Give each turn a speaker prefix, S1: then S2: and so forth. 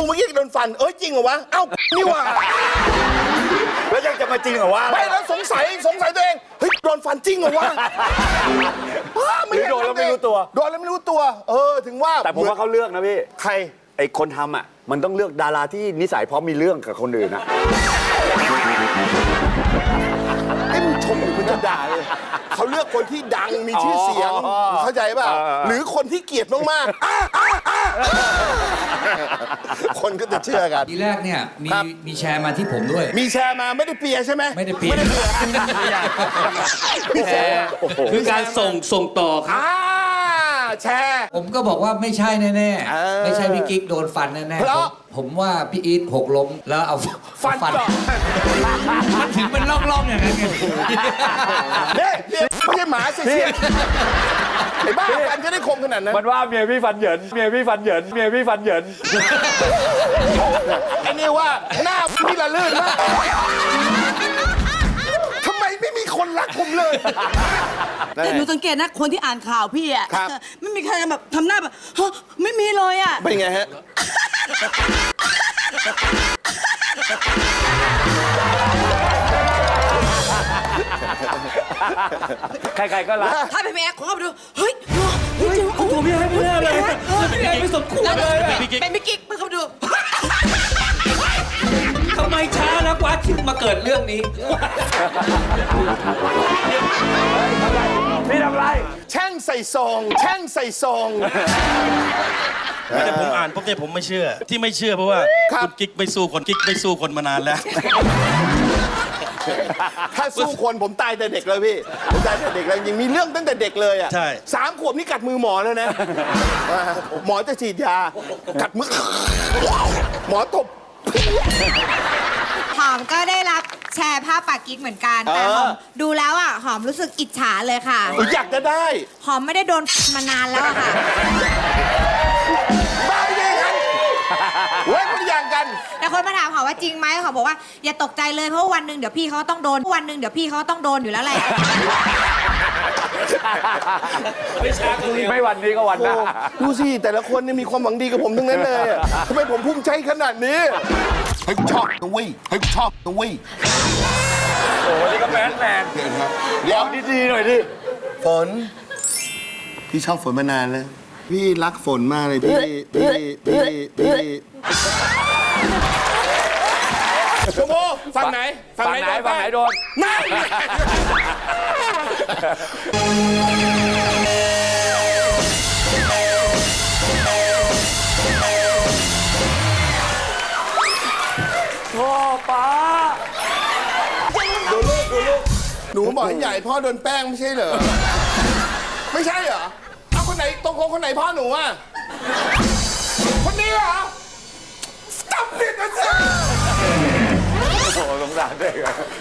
S1: เมื่อกี้โดนฟันจริงเหรอวะเอ้านี่ว่า
S2: แล้วยังจะมาจริงเหรอวะ
S1: ไม่แล้วสงสัยตัวเองเฮ้ยโดนฟันจริงเหรอวะ
S2: หรือโดนแล้วไม่รู้ตัว
S1: ถึงว่า
S2: แต่ผมว่าเขาเลือกนะพี่
S1: ใคร
S2: ไอ้คนทำอ่ะมันต้องเลือกดาราที่นิสัยพร้อมมีเรื่องกับคนอื่นนะ
S1: มึงชมหรือมึงจะด่าเลยเขาเลือกคนที่ดังมีชื่อเสียงเข้าใจป่ะหรือคนที่เกลียดมากๆคนก็จะเชื่อกัน
S3: ทีแรกเนี่ยมีแชร์มาที่ผมด้วย
S1: มีแชร์มาไม่ได้เปียใช่ไหม
S3: ไม่ได้เปียแชร์คือการส่งต่อครับ
S1: แชร์
S3: ผมก็บอกว่าไม่ใช่แน่ๆไม่ใช่พี่กิ๊กโดนฟันแน่ๆผมว่าพี่อีทหกล้มแล้วเอา
S1: ฟัน
S3: มันถึงเป็นร่องๆอย่างนั้นไง
S1: เนี่ยไม่ใช่หมาเสียไอ้บ้าฟันจะได้คมขนาดนั้น
S2: มันว่าเมียพี่ฟันเหยินไ
S1: อ้นี่ว่าหน้าพี่ละลื่นมากทำไมไม่มีคนรักผมเลย
S4: แต่หนูสังเกตนะคนที่อ่านข่าวพี่อ่ะไม่มีใครแบบทำหน้าแบบไม่มีเลยอ่ะ
S1: เป็นไงฮะ
S2: ใครๆก็รัก
S4: ถ้าเป็นแม่ขอไปดูเฮ้ยจริงโอ้โห
S3: พี่ไม่ได้เลยพี่ไม่สมควรเลย
S4: เป็นพี่กิ๊กไปเข้าดู
S3: ทำไมช้านะกว่าถึงมาเกิดเรื่องนี้
S2: พี่ทำไร
S1: แช่งใส่ซอง
S5: แต่ผมอ่านปุ๊บเนี่ยผมไม่เชื่อที่ไม่เชื่อเพราะว่าคุณกิ๊กไม่สู้คนมานานแล้ว
S1: ถ้าสู้คนผมตายแต่เด็กเลยพี่ผมตายแต่เด็กเลยยังมีเรื่องตั้งแต่เด็กเลยอ่ะ
S5: ใช่
S1: 3 ขวบนี่กัดมือหมอแล้วนะหมอจะฉีดยากัดมือหมอตบ
S6: หอมก็ได้รับแชร์ภาพปากกิ๊กเหมือนกันแต่หอมดูแล้วอ่ะหอมรู้สึกอิจฉาเลยค่ะ
S1: อยากจะได้
S6: หอมไม่ได้โดนมานานแล้วค่ะ
S1: บ้ายังไงเว้ยคนอย่างกัน
S6: แต่คนมาถามหอมว่าจริงไหมหอมบอกว่าอย่าตกใจเลยเพราะวันหนึ่งเดี๋ยวพี่เขาต้องโดนอยู่แล้วแหละ
S2: ไม่วันนี้ก็วันหน้า
S1: ดูสิแต่ละคนนี่มีความหวังดีกับผมทั้งนั้นเลยทำไมผมภูมิใจขนาดนี้เฮ้ยชอบนะเว้ยโ
S2: อ้นี่ก็แมนเดี๋ยวดีๆหน่อยดิ
S1: ฝนพี่ชอบฝนมานานแล้วพี่รักฝนมากเลยพี่ชมพู่ฝั่งไหน
S2: โดน
S1: นั่น
S2: พ่อป้า
S1: ดูลูกหนูบอกให้ใหญ่พ่อโดนแป้งไม่ใช่เหรอไม่ใช่เหรอเอาคนไหนตรงคนไหนพ่อหนูอ่ะคนนี้เหรอจับผิดนะจ๊ะ
S2: โอ้สงสารเด็ก